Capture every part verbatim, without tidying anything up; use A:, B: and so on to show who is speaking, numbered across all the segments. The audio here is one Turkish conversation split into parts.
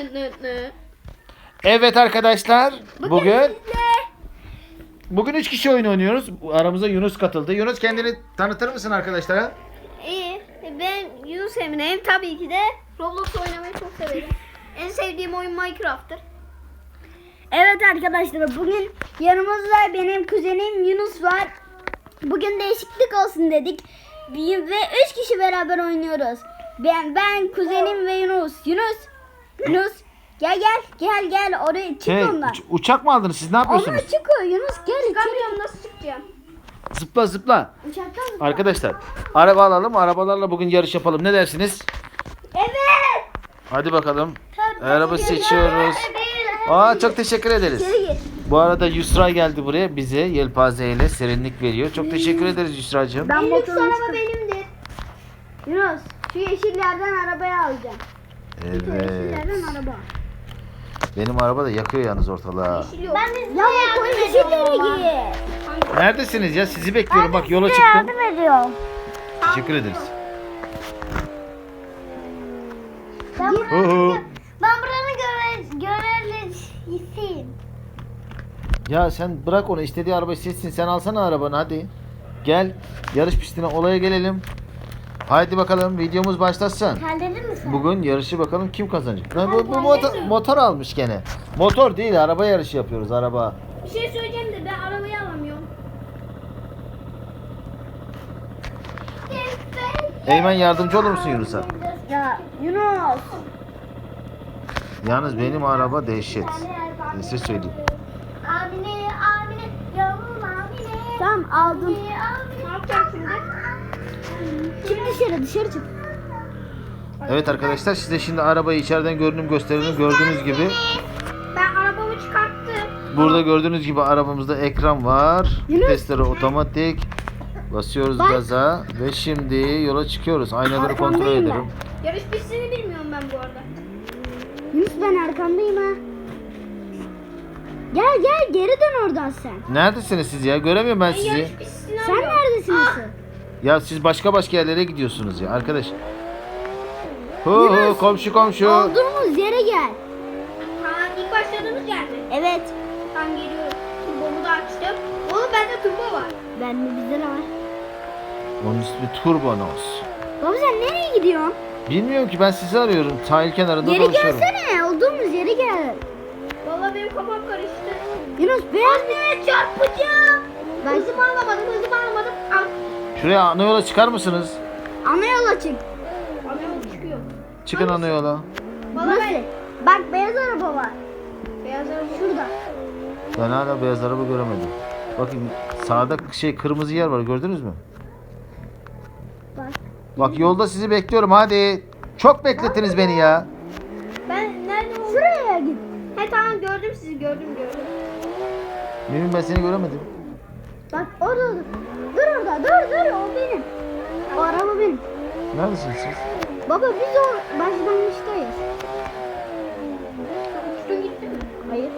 A: nı nı nı.
B: Evet arkadaşlar, bugün bugün üç kişi oyun oynuyoruz. Aramıza Yunus katıldı. Yunus, kendini tanıtır mısın arkadaşlara?
A: İyi. Ben Yunus Emre'yim. Tabii ki de Roblox oynamayı çok severim. En sevdiğim oyun Minecraft'tır.
C: Evet arkadaşlar, bugün yanımızda benim kuzenim Yunus var. Bugün değişiklik olsun dedik. Bir- Ve üç kişi beraber oynuyoruz. Ben, ben kuzenim ve Yunus. Yunus, Yunus gel gel gel gel oraya çık
B: Şey,
C: ondan.
B: uç- uçak mı aldınız siz? Ne yapıyorsunuz?
C: Onlar çıkıyor Yunus, gel içeri.
A: Çıkamıyorum, nasıl çıkacağım?
B: Zıpla zıpla.
C: Uçaktan zıpla.
B: Arkadaşlar, araba alalım. Arabalarla bugün yarış yapalım. Ne dersiniz?
C: Evet.
B: Hadi bakalım. Araba seçiyoruz. Aa, çok teşekkür ederiz.
C: İçeri gir.
B: Bu arada Yusra geldi buraya, bize yelpaze ile serinlik veriyor. Çok teşekkür ederiz Yusra'cığım.
C: Ben
A: En lüks
C: motorumu
A: araba
C: çıkar-
A: benimdir.
C: Yunus, şu yeşillerden arabayı alacağım. Şu
B: Evet.
C: yeşillerden araba.
B: Benim araba da yakıyor yalnız ortalığı.
A: Yeşil yok.
C: Ben de size yardım ediyorum. Yeşilleri gir.
B: Neredesiniz ya? Sizi bekliyorum. Bak, yola
C: Size
B: çıktım.
C: yardım ediyorum.
B: Teşekkür ederiz.
C: Ben,
B: Hu hu.
C: ben buranın göre, görevlisiyim.
B: Ya sen bırak onu, istediği arabayı seçsin. Sen alsana arabanı, hadi. Gel yarış pistine, olaya gelelim. Haydi bakalım, videomuz başlasın.
C: Terledin mi sen?
B: Bugün yarışı bakalım kim kazanacak. Lan bu, bu motor, motor almış gene. Motor değil, araba yarışı yapıyoruz, araba.
A: Bir şey söyleyeceğim de ben arabayı alamıyorum.
B: Eymen, yardımcı olur musun Yunus'a?
C: Ya Yunus.
B: Yalnız benim araba dehşet. Ben size söyleyeyim.
C: Amine, Amine, yavrum Amine. Tamam aldım.
A: Ne yapacağım şimdi?
C: Çık dışarı, dışarı çık.
B: Evet arkadaşlar, size şimdi arabayı içeriden görünüm gösterelim. Gördüğünüz gibi
A: Ben arabamı çıkarttım.
B: burada gördüğünüz gibi arabamızda ekran var.
C: Yunus.
B: Vitesleri otomatik. Basıyoruz
C: Bak.
B: gaza ve şimdi yola çıkıyoruz. Aynaları kontrol
C: Arkandayım ben.
B: ederim.
A: Yarış pistini bilmiyorum ben bu arada.
C: Yunus, ben arkandayım ha. Gel gel, geri dön oradan sen.
B: Neredesiniz siz ya? Göremiyorum ben
A: Ben
B: sizi.
A: yarış pistini
C: Sen
A: arıyorum.
C: neredesin asıl?
B: Ya siz başka başka yerlere gidiyorsunuz ya arkadaş. Hu hu,
C: Yunus.
B: komşu komşu.
C: Olduğumuz yere gel.
A: Ha, ilk başladığımız yerde.
C: Evet.
A: Ben geliyorum. Turbomu da açtım. Oğlum bende turbo var.
C: Bende bizde de var.
B: Onun ismi Turbonos.
C: Baba sen nereye gidiyorsun?
B: Bilmiyorum ki, ben sizi arıyorum. Sahil kenarında
C: Geri
B: dolaşıyorum.
C: gelsene. Olduğumuz yere gel.
A: Vallahi benim kafam karıştı.
C: Yunus beyaz.
A: Anne çarpacağım.
C: Ben-
A: Hızımı alamadım, hızımı alamadım. Al.
B: Şuraya ana yola çıkar mısınız?
C: Ana yola çık.
A: Alıyorum, çıkıyor.
B: Çıkın ana yola.
A: Vallahi
C: Nasıl?
A: ben
C: Bak beyaz araba var.
A: beyaz araba
C: Şurada.
B: Ben hala beyaz araba göremedim. Bakın sağda şey kırmızı yer var, gördünüz mü?
C: Bak.
B: Bak, yolda sizi bekliyorum, hadi. Çok beklettiniz beni ya.
A: Ben nerede oldum?
C: Şuraya git.
A: He tamam, gördüm sizi, gördüm gördüm.
B: Mümin, ben seni göremedim.
C: Bak orada dur. Dur orada. Dur dur. O benim. O araba benim.
B: Neredesiniz siz?
C: Baba biz o başlangıçtayız.
A: Uçtun gitti mi?
C: Hayır.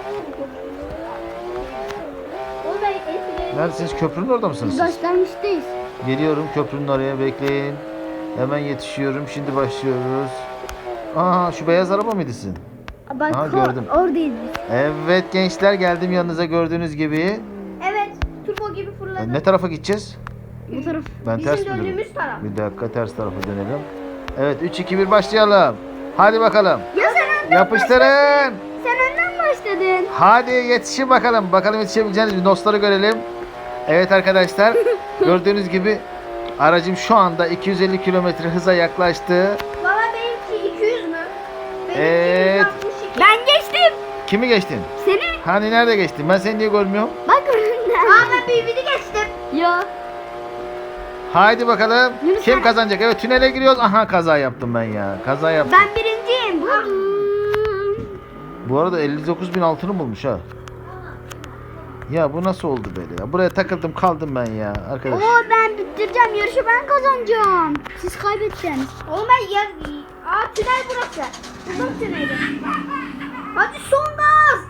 A: Oğlum ben eskiden...
B: Neredesiniz? Köprünün orada mısınız
C: Biz
B: siz?
C: başlangıçtayız.
B: Geliyorum köprünün oraya, bekleyin. Hemen yetişiyorum. Şimdi başlıyoruz. Aa, şu beyaz araba mıydı sizin?
C: Bak
B: Aha,
C: o-
B: gördüm.
C: oradayız biz.
B: Evet gençler, geldim yanınıza gördüğünüz gibi.
A: Evet, turbo gibi fırladım.
B: Ne tarafa gideceğiz?
C: Bu taraf.
B: Ben
A: Bizim
B: ters mi dönüyorum?
A: döndüğümüz taraf.
B: Bir dakika, ters tarafa dönelim. Evet, üç iki bir başlayalım. Hadi bakalım.
C: Ya sen önden
B: Yapıştırın.
C: Sen önden başladın.
B: Hadi yetişin bakalım. Bakalım yetişebileceğiniz mi? Dostları görelim. Evet arkadaşlar. Gördüğünüz gibi aracım şu anda iki yüz elli kilometre hıza yaklaştı.
A: Valla benimki iki yüz mü? Benimki
B: Evet.
A: yüz altmış iki.
C: Ben geçtim.
B: Kimi geçtin?
C: Seni.
B: Hani nerede geçtin? Ben seni niye görmüyorum?
C: Bak önden.
A: Aa, ben bir biri geçtim.
C: Ya.
B: Haydi bakalım.
C: Yunus
B: Kim
C: sen-
B: kazanacak? Evet, tünele giriyoruz. Aha, kaza yaptım ben ya. Kaza yaptım.
C: Ben birinciyim. Bu.
B: Bu arada elli dokuz bin altını bulmuş ha. Ya bu nasıl oldu böyle ya? Buraya takıldım kaldım ben ya arkadaş.
C: Oo ben bitireceğim. Yarışı ben kazanacağım. Siz kaybettiniz.
A: Oğlum ben ya... Aa, tünel burası. Buradan tüneli. Hadi son gaz.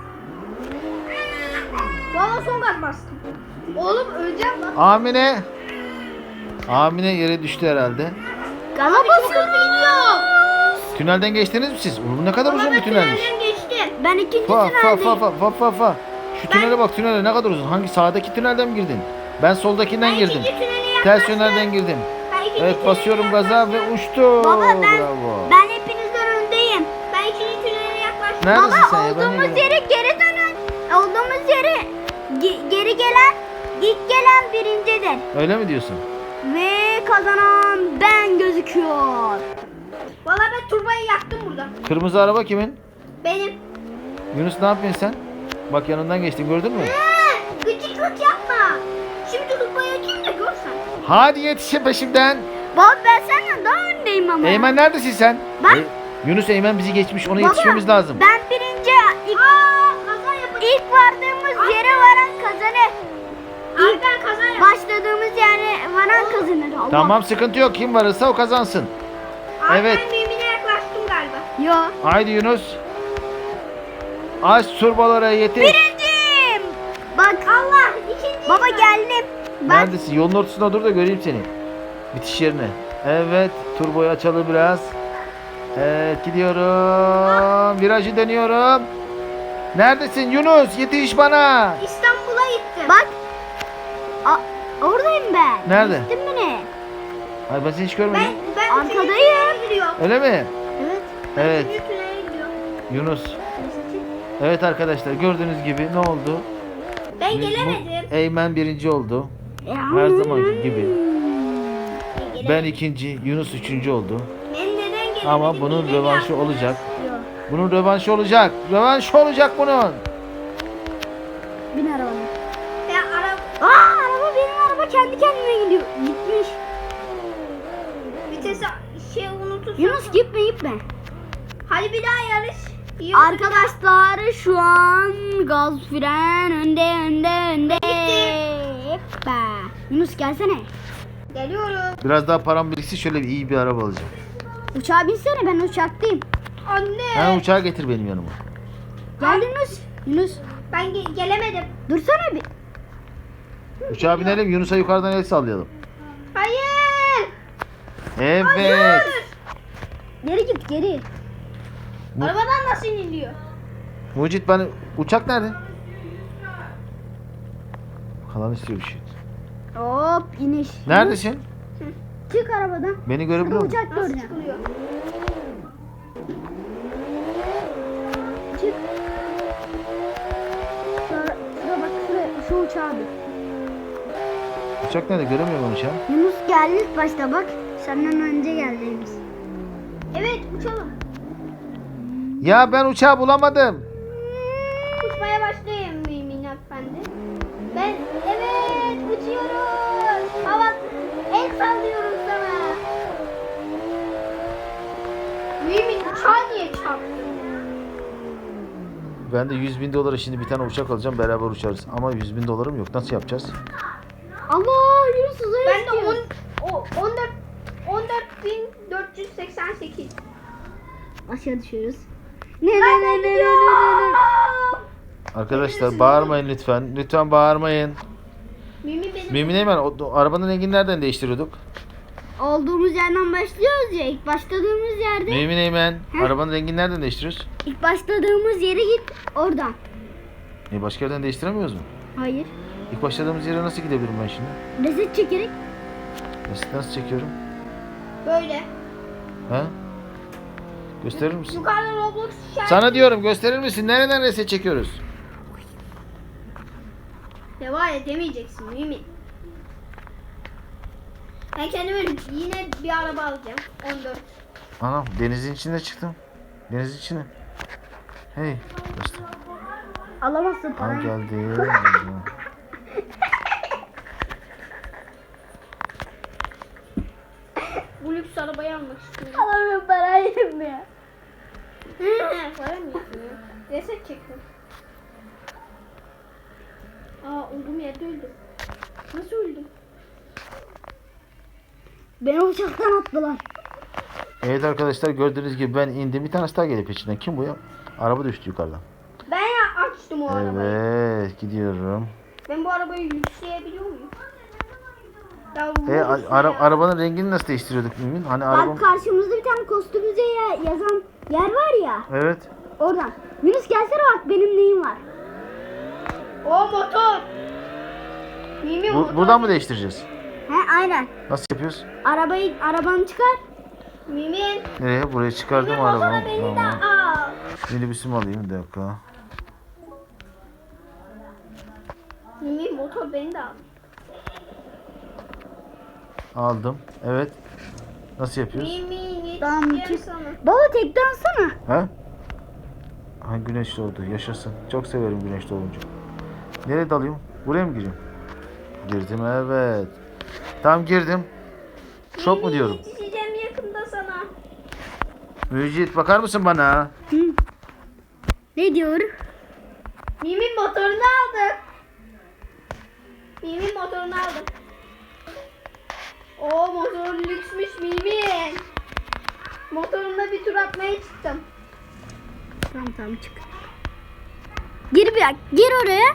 A: Valla son gaz bastım. Oğlum öleceğim lan.
B: Amine. Amine yere düştü herhalde.
C: Gaza
A: Çok hızlı
C: basıyoruz.
A: gidiyor.
B: Tünelden geçtiniz mi siz? Oğlum ne kadar
A: Baba
B: uzun
A: ben
B: bir tünelmiş.
A: tünelden geçtim.
C: Ben ikinci
B: Fa fa fa
C: tüneldeyim.
B: fa fa fa fa. Şu tünele bak, tünele ne kadar uzun. Hangi sağdaki tünelden mi girdin? Ben soldakinden
A: Ben
B: girdim.
A: ikinci tünele yaklaştım.
B: Ters yönlerden girdim.
A: Ben ikinci
B: Evet,
A: tünele
B: basıyorum gaza ve
A: yaklaştım.
B: uçtu.
C: Baba ben
B: Bravo.
C: ben hepinizden öndeyim.
A: Ben ikinci tünele yaklaştım.
B: Neredesin
C: Baba
B: sen ya? Ben de
C: olduğumuz
B: görüyorum.
C: yere geri dönün. Olduğumuz yere ge- geri gelen ilk gelen birincidir.
B: Öyle mi diyorsun?
C: Ve kazanan ben gözüküyor.
A: Valla ben turbayı yaktım burada.
B: Kırmızı araba kimin?
A: Benim.
B: Yunus ne yapıyorsun sen? Bak yanından geçtin, gördün mü?
A: Ee, gıcıklık yapma. Şimdi turbayı açayım da görsen.
B: Hadi yetişin peşimden.
C: Baba ben senden daha öndeyim ama.
B: Eymen neredesin sen?
C: Ben-
B: E, Yunus Eymen bizi geçmiş, ona
C: Baba,
B: yetişmemiz lazım.
C: Ben birinci ilk,
A: Aa kaza yapacağım.
C: ilk vardığımız yere varan kazanır.
A: Abi ben kaza yaptım.
C: Başladığımız yere varan kazanır. Allah.
B: Tamam, sıkıntı yok, kim varırsa o kazansın.
A: Abi
B: Evet.
A: ben mümine yaklaştım galiba.
C: Yo.
B: Haydi Yunus. Aç turbalara yetiş.
C: Birinciyim. Bak.
A: Allah ikinci.
C: Baba geldim. Bak.
B: Neredesin? Yolun ortasında dur da göreyim seni. Bitiş yerine. Evet, turboyu açalım biraz. Evet, gidiyorum. Virajı dönüyorum. Neredesin Yunus? Yetiş bana.
A: İstanbul'a gittim.
C: Bak. A, oradayım ben.
B: Nerede?
C: Gittin mi?
B: Ay ben seni hiç görmedim.
A: Ben ben
C: Arkadayım.
A: üçüncü tünele gidiyorum.
B: Öyle mi?
C: Evet.
B: Evet.
A: Üçüncü tünele gidiyorum.
B: Yunus. Evet arkadaşlar, gördüğünüz gibi ne oldu?
A: Ben
B: Bu-
A: gelemedim.
B: Eymen birinci oldu. Her zamanki gibi.
A: Ben,
B: Ben
A: gelemedim.
B: ikinci, Yunus üçüncü oldu.
A: Ben neden gelemedim?
B: Ama bunun
A: Neden
B: rövanşı
A: yaptınız?
B: olacak. Bunun rövanşı olacak. Rövanşı olacak bunun.
C: Bin arabaya.
A: Ya araba
C: Aa araba benim araba kendi kendine gidiyor. Gitmiş.
A: vitesi şey unutursan.
C: Yunus gitme gitme.
A: Hadi bir daha yarış. İyi oldu.
C: Arkadaşlar şu an gaz fren önde önde önde. Hoppa. Yunus gelsene.
A: Geliyorum.
B: Biraz daha param biriksin, şöyle bir iyi bir araba alacağım.
C: Uçağa binsene ben uçaktayım.
A: Anne.
B: Ha, uçağı getir benim yanıma.
C: Gel Yunus. Yunus
A: Ben ge- gelemedim.
C: dursana bir.
B: Uçağa binelim, Yunus'a yukarıdan el sallayalım.
A: Hayır.
B: Evet.
C: Geri git geri.
B: Bu-
A: Arabadan nasıl iniliyor?
B: Mucit, bana uçak nerede? Kalan istiyor bir şey.
C: Hop iniş.
B: Neredesin?
C: Çık arabadan.
B: Beni görebiliyor musun?
C: Uçak
A: Nasıl
C: göreceğim.
A: çıkılıyor?
C: Çık. Şura, şura bak şuraya şu uçağa bir.
B: Uçak nerede? Göremiyorum onu uçağı.
C: Yunus geldi ilk başta bak. Senden önce geldi Yunus.
A: Evet uçalım.
B: Ya ben uçağı bulamadım.
A: Uçmaya başlayayım Mümin Efendi. Ben evet uçuyoruz. Hava el sallıyorum sana. Mümin uçağa niye çarptın?
B: Ben de yüz bin dolara şimdi bir tane uçak alacağım, beraber uçarız. Ama yüz bin dolarım yok. Nasıl yapacağız?
C: Allah Yunus uzaya
A: Ben de
C: istiyor.
A: on, o, on dört on dört bin dört yüz seksen sekiz.
C: Aşağı düşüyoruz. Ne ne ne ne ne ne ne.
B: Arkadaşlar bağırmayın lütfen. Lütfen bağırmayın.
A: Mümin benim.
B: Mümin Eymen, o, o arabanın rengini nereden değiştiriyorduk?
C: Olduğumuz yerden başlıyoruz ya. İlk başladığımız yerde.
B: Mümin Eymen,
C: Heh.
B: arabanın rengini nereden değiştiriyoruz?
C: İlk başladığımız yere git oradan.
B: E başka yerden değiştiremiyoruz mu?
C: Hayır.
B: İlk başladığımız yere nasıl gidebilirim ben şimdi?
C: Reset çekerek.
B: Nasıl, nasıl çekiyorum?
A: Böyle.
B: He? Gösterir misin?
A: Yukarıda Roblox işareti.
B: Sana diyorum, gösterir misin? Nereden reset çekiyoruz?
A: Devam edemeyeceksin Mümin. Ben kendime yine bir araba alacağım. on dört.
B: Anam, denizin içinde çıktım. Denizin içine. Hey. Göster.
C: Alamazsın
B: Al
C: parayı.
B: geldi.
A: Bu lüks arabayı almak istiyorum.
C: Alamıyorum parayı ya.
A: Para mı yapıyor? Reset çektim. Aa olduğum yerde öldüm. Nasıl öldüm?
C: Beni uçaktan attılar.
B: Evet arkadaşlar, gördüğünüz gibi ben indim. Bir tanesi daha geliyor peşinden. Kim bu ya? Araba düştü yukarıdan.
A: Ben ya açtım o arabayı.
B: Evet, gidiyorum.
A: Ben bu arabayı yükleyebiliyor muyum? Ya
B: E,
A: vurursa
B: a- ara-
A: ya.
B: arabanın rengini nasıl değiştiriyorduk Mümin? Hani arabam...
C: Bak karşımızda bir tane kostümüze ya- yazan yer var ya.
B: Evet.
C: Oradan. Yunus gelsene bak benim neyim var.
A: O motor. Mimi
B: Bu,
A: motor.
B: buradan mı değiştireceğiz?
C: He aynen.
B: Nasıl yapıyoruz?
C: Arabayı arabanı çıkar.
A: Mimi.
B: Nereye? Buraya çıkardım
A: Mimi motora
B: arabamı.
A: beni de
B: Tamam.
A: al.
B: Minibüsümü alayım bir dakika.
A: Mimi motor beni de al.
B: Aldım. Evet. Nasıl yapıyoruz?
A: Mimi
C: Tamam,
A: yetişeceğim
C: çık.
A: sana.
C: Baba tek dansana.
B: He? Ha, güneş doğdu. Yaşasın. Çok severim güneş doğunca. Nereye dalayım? Buraya mı gireyim? Girdim evet. Tam girdim. Çok mu
A: Mimi,
B: diyorum?
A: yetişeceğim yakında sana.
B: Müjit bakar mısın bana?
C: Hı. Ne diyor?
A: Mimi motorunu aldım. Mimi motorunu aldım. O motor lüksmüş Mimi. Motorumla bir tur atmaya çıktım.
C: Tamam tamam çık. Gir bir gir oraya.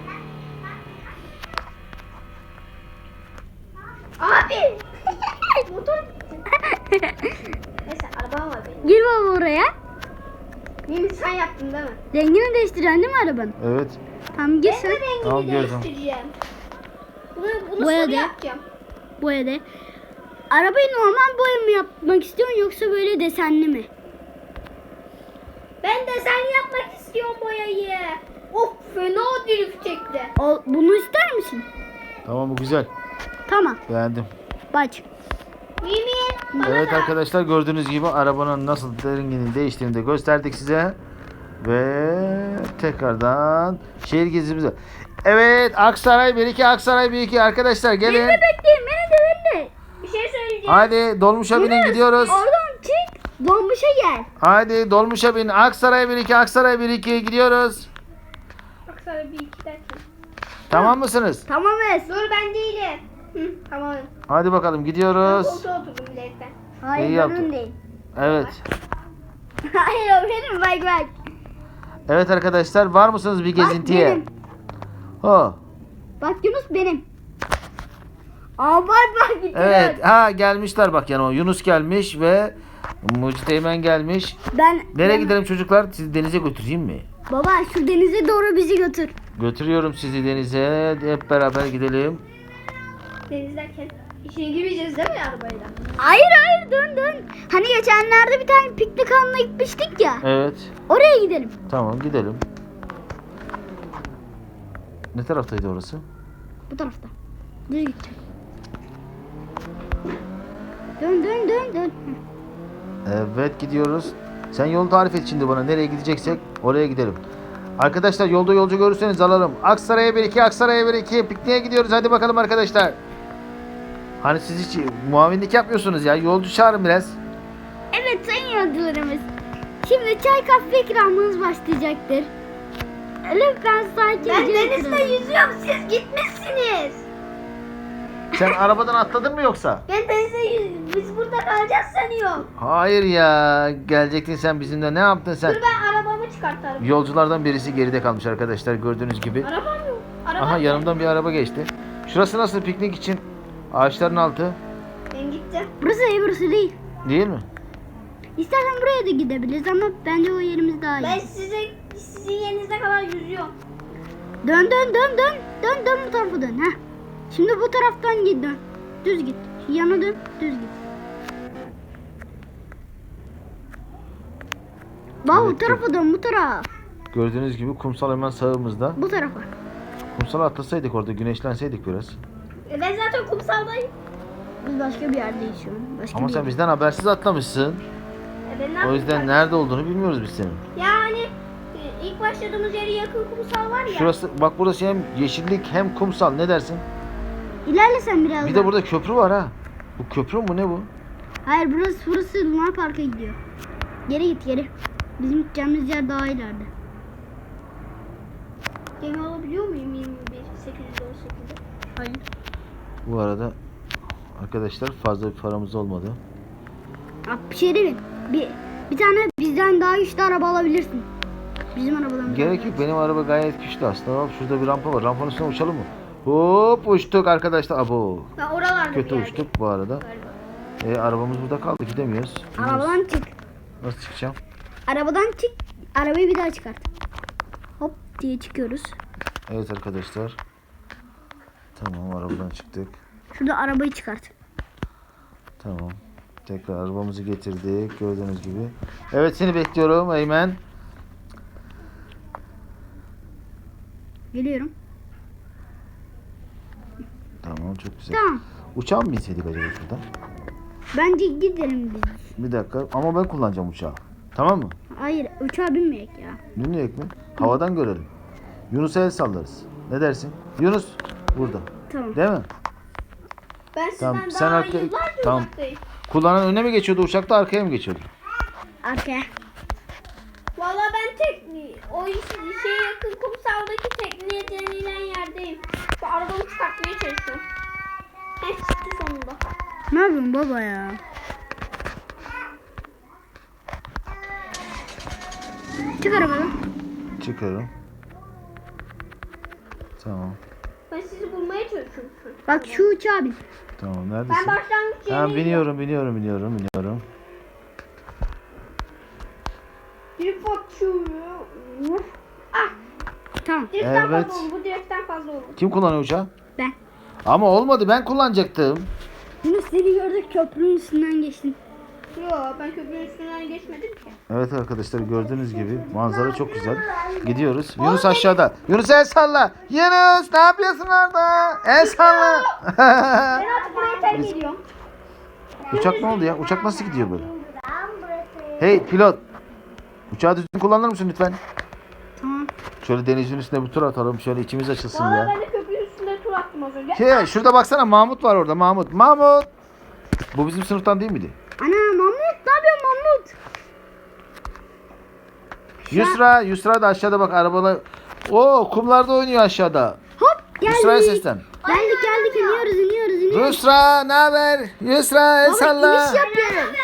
A: Abi. Motor gitti. Neyse arabam var benim.
C: Gir baba oraya.
A: Mimi sen yaptın değil mi?
C: Rengini değiştireceksin değil mi arabanın?
B: Evet.
C: Tamam gir
A: Ben
C: sen.
A: de rengini
B: Tamam, gördüm.
A: değiştireceğim. Bunu, bunu
C: Boya
A: sarı
C: de.
A: yapacağım.
C: Boya de. Arabayı normal boya mı yapmak istiyorsun yoksa böyle desenli mi?
A: Ben de sen yapmak istiyorum boyayı. Of fena drift çekti.
C: O, bunu ister misin?
B: Tamam bu güzel.
C: Tamam.
B: Beğendim.
C: Bak.
A: Mimi bana
B: Evet
A: da.
B: arkadaşlar gördüğünüz gibi arabanın nasıl renginin değiştiğini de gösterdik size. Ve tekrardan şehir gezimize. Evet Aksaray bir iki Aksaray bir iki arkadaşlar gelin.
C: Beni de bekleyin beni de beni de.
A: Bir şey söyleyeceğim.
B: Hadi dolmuşa binin
C: Yunus,
B: gidiyoruz.
C: Oradan çık. Dolmuşa gel.
B: Hadi dolmuşa bin. Aksaray bir iki Aksaray bir iki gidiyoruz.
A: Bak sana bir iki dakika.
B: Tamam mısınız?
C: Tamam Es.
A: Dur ben değilim. Hı, tamam.
B: Hadi bakalım
A: Ben
B: gidiyoruz.
A: koltuğa oturdum ileriden.
C: Hayır
B: İyi
C: ben
B: yaptın.
C: öndeyim.
B: Evet.
C: Hayır o benim bak bak.
B: Evet arkadaşlar var mısınız bir gezintiye?
C: benim.
B: Ho.
C: Bak Yunus benim. Aa bak bak gidiyor.
B: Evet. Ha gelmişler bak yanıma. Yunus gelmiş ve Mucit Eymen gelmiş.
C: Ben
B: Nereye
C: ben-
B: gidelim çocuklar? Sizi denize götüreyim mi?
C: Baba şu denize doğru bizi götür.
B: Götürüyorum sizi denize. Hep beraber gidelim.
A: Denizlerken içine girmeyeceğiz değil mi arabayla?
C: Hayır hayır dön dön. Hani geçenlerde bir tane piknik alanına gitmiştik ya.
B: Evet.
C: Oraya gidelim.
B: Tamam gidelim. Ne taraftaydı orası?
C: Bu tarafta. Düz gideceğim. Dön dön dön dön.
B: Evet gidiyoruz. Sen yolu tarif et şimdi bana. Nereye gideceksek oraya gidelim. Arkadaşlar yolda yolcu görürseniz alalım. Aksaray'a bir iki, Aksaray'a bir iki. Pikniğe gidiyoruz. Hadi bakalım arkadaşlar. Hani siz hiç muavinlik yapmıyorsunuz ya. Yolcu çağırın biraz.
C: Evet sayın yolcularımız. Şimdi çay kahve ikramımız başlayacaktır. Lütfen sakince
A: Ben denizde
C: oturun.
A: yüzüyorum siz gitmişsiniz.
B: Sen arabadan atladın mı yoksa?
A: Ben denizde yüz... Biz burada kalacağız sanıyorum.
B: Hayır ya. Gelecektin sen bizimle. Ne yaptın sen?
A: Dur ben arabamı çıkartarım.
B: Yolculardan birisi geride kalmış arkadaşlar gördüğünüz gibi.
A: Arabam yok. Arabam
B: Aha
A: yok.
B: yanımdan bir araba geçti. Şurası nasıl piknik için? Ağaçların altı.
A: Ben gittim.
C: Burası iyi burası değil.
B: Değil mi?
C: İstersen buraya da gidebiliriz ama bence o yerimiz daha iyi.
A: Ben size sizin yerinize kadar yüzüyorum.
C: Dön dön dön dön. Dön dön bu tarafa dön. Heh. Şimdi bu taraftan git dön. Düz git. Yana dön. Düz git. Bak bu
B: Evet,
C: tarafa dön bu tarafa.
B: Gördüğünüz gibi kumsal hemen sağımızda.
C: Bu tarafa.
B: Kumsala atlasaydık orada güneşlenseydik biraz.
A: E ben zaten kumsaldayım.
C: Biz başka bir yerdeyiz şu an. Başka
B: Ama
C: bir
B: sen
C: yer.
B: bizden habersiz atlamışsın.
A: E ben ne
B: O
A: yapayım?
B: yüzden nerede olduğunu bilmiyoruz biz senin.
A: Yani e, ilk başladığımız yere yakın kumsal var ya.
B: Şurası bak burası hem yeşillik hem kumsal ne dersin?
C: İlerle sen biraz
B: Bir
C: daha.
B: de burada köprü var ha. Bu köprü mü ne bu?
C: Hayır burası burası Luna Park'a gidiyor. Geri git geri. Bizim gideceğimiz yer daha ileride.
A: Gemi alabiliyor muyum yirmi bir sekiz yüz on sekizde?
C: Hayır.
B: Bu arada arkadaşlar fazla bir paramız olmadı.
C: Bak bir şey değil mi? Bir, bir tane bizden daha güçlü araba alabilirsin. Bizim arabadan.
B: Gerek yok benim araba gayet güçlü aslında. Bak şurada bir rampa var. Rampanın üstüne uçalım mı? Hop uçtuk arkadaşlar. Abo.
A: Ben oralarda
B: Kötü
A: bir yerde.
B: uçtuk bu arada.
A: Galiba.
B: E, arabamız burada kaldı, gidemiyoruz.
C: Arabadan çık.
B: Nasıl çıkacağım?
C: Arabadan çık. Arabayı bir daha çıkart. Hop diye çıkıyoruz.
B: Evet arkadaşlar. Tamam, arabadan çıktık.
C: Şurada arabayı çıkart.
B: Tamam. Tekrar arabamızı getirdik gördüğünüz gibi. Evet, seni bekliyorum Eymen.
C: Geliyorum.
B: Tamam, çok güzel.
C: Tamam.
B: Uçağa mı binseydik acaba şuradan?
C: Bence gidelim biz.
B: Bir dakika ama ben kullanacağım uçağı. Tamam mı?
C: Hayır uçağa binmeyek ya.
B: Dinleyek mi? Havadan görelim. Yunus'a el sallarız. Ne dersin? Yunus burada.
C: Tamam.
B: Değil mi?
A: Ben sizden
B: Tamam, sen
A: daha
B: arka-
A: yıllarca
B: tamam.
A: uzaktayım.
B: Kullanan öne mi geçiyordu uçakta, arkaya mı geçiyordu?
C: Arkaya.
A: Valla ben tek o iş, şeye yakın kumsaldaki tekneye denilen yerdeyim. Şu arabamı çıkartmaya çalışıyorum. Heh, çıktı sonunda.
C: Ne yapıyorsun baba ya? Çık arabadan.
B: Çıkarım. Tamam.
A: Ben sizi bulmaya çalışıyorum şu an.
C: Bak şu uçağa bin.
B: Tamam,
A: Ben
B: neredesin?
A: başlangıç
B: Tamam,
A: yerine
B: biniyorum, biniyorum, biniyorum, biniyorum.
A: bir bakıyorum. Ah,
C: Tamam.
A: direkten
B: Evet.
A: fazla oldu. Bu direkten fazla oldu.
B: Kim kullanıyor uçağı?
C: Ben.
B: Ama olmadı, ben kullanacaktım.
C: Yunus seni gördük köprünün üstünden geçtin.
A: Yo, ben köprünün üstünden geçmedim ki.
B: Evet arkadaşlar, gördüğünüz gibi manzara çok güzel. Gidiyoruz. Yunus aşağıda. Yunus el salla. Yunus ne yapıyorsun orada? El salla.
A: Ben artık buraya terk ediyorum.
B: Uçak ne oldu ya? Uçak nasıl gidiyor böyle? Hey pilot. Uçağı düzgün kullanır mısın lütfen?
C: Tamam.
B: Şöyle denizin üstüne bir tur atalım. Şöyle içimiz açılsın
A: Valla
B: ya.
A: ben de köprünün üstünde tur attım az önce.
B: Şey, şurada baksana, Mahmut var orada. Mahmut. Mahmut. Bu bizim sınıftan değil miydi?
C: Ana Mahmut ne yapıyorsun Mahmut?
B: Yusra. Yusra da aşağıda bak, arabalar. Oo, kumlarda oynuyor aşağıda.
C: Hop
B: Yusra'ya
C: geldik.
B: seslen.
C: Geldik geldik iniyoruz iniyoruz iniyoruz.
B: Yusra ne haber? Yusra el
C: Baba
B: salla.
C: iniş yapıyoruz.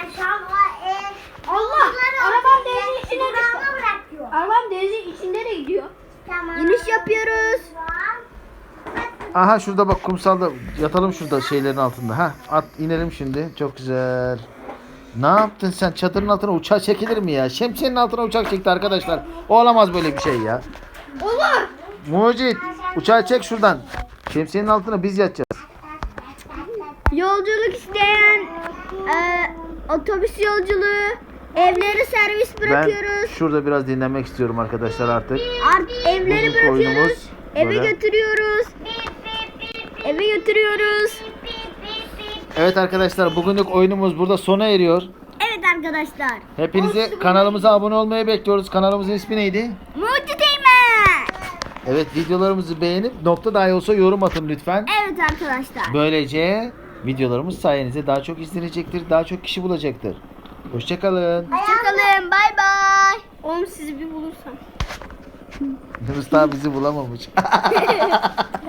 A: Allah! Arabam denizin içine düştü. Arabam denizin içinde de gidiyor.
C: İniş yapıyoruz.
B: Aha şurada bak, kumsalda yatalım şurada şeylerin altında. Ha, at inelim şimdi. Çok güzel. Ne yaptın sen? Çadırın altına uçak çekilir mi ya? Şemsiyenin altına uçak çekti arkadaşlar. Olamaz böyle bir şey ya.
A: Olur!
B: Mucit, uçağı çek şuradan. Şemsiyenin altına biz yatacağız.
C: Yolculuk isteyen e, otobüs yolculuğu evleri servis
B: Ben
C: bırakıyoruz.
B: şurada biraz dinlenmek istiyorum arkadaşlar artık.
C: Art, evleri
B: Bugünkü oyunumuz
C: bırakıyoruz. Eve
B: böyle.
C: götürüyoruz. Eve götürüyoruz.
B: Evet arkadaşlar, bugünlük oyunumuz burada sona eriyor.
C: Evet arkadaşlar.
B: Hepinizi kanalımıza abone olmaya bekliyoruz. Kanalımızın ismi neydi?
C: Mucit Eymen.
B: Evet, videolarımızı beğenip nokta dahi olsa yorum atın lütfen.
C: Evet arkadaşlar.
B: Böylece videolarımız sayenizde daha çok izlenecektir, daha çok kişi bulacaktır. Hoşçakalın.
C: Hoşçakalın. Bay bay.
A: Oğlum sizi bir bulursam.
B: Yunus daha bizi bulamamış.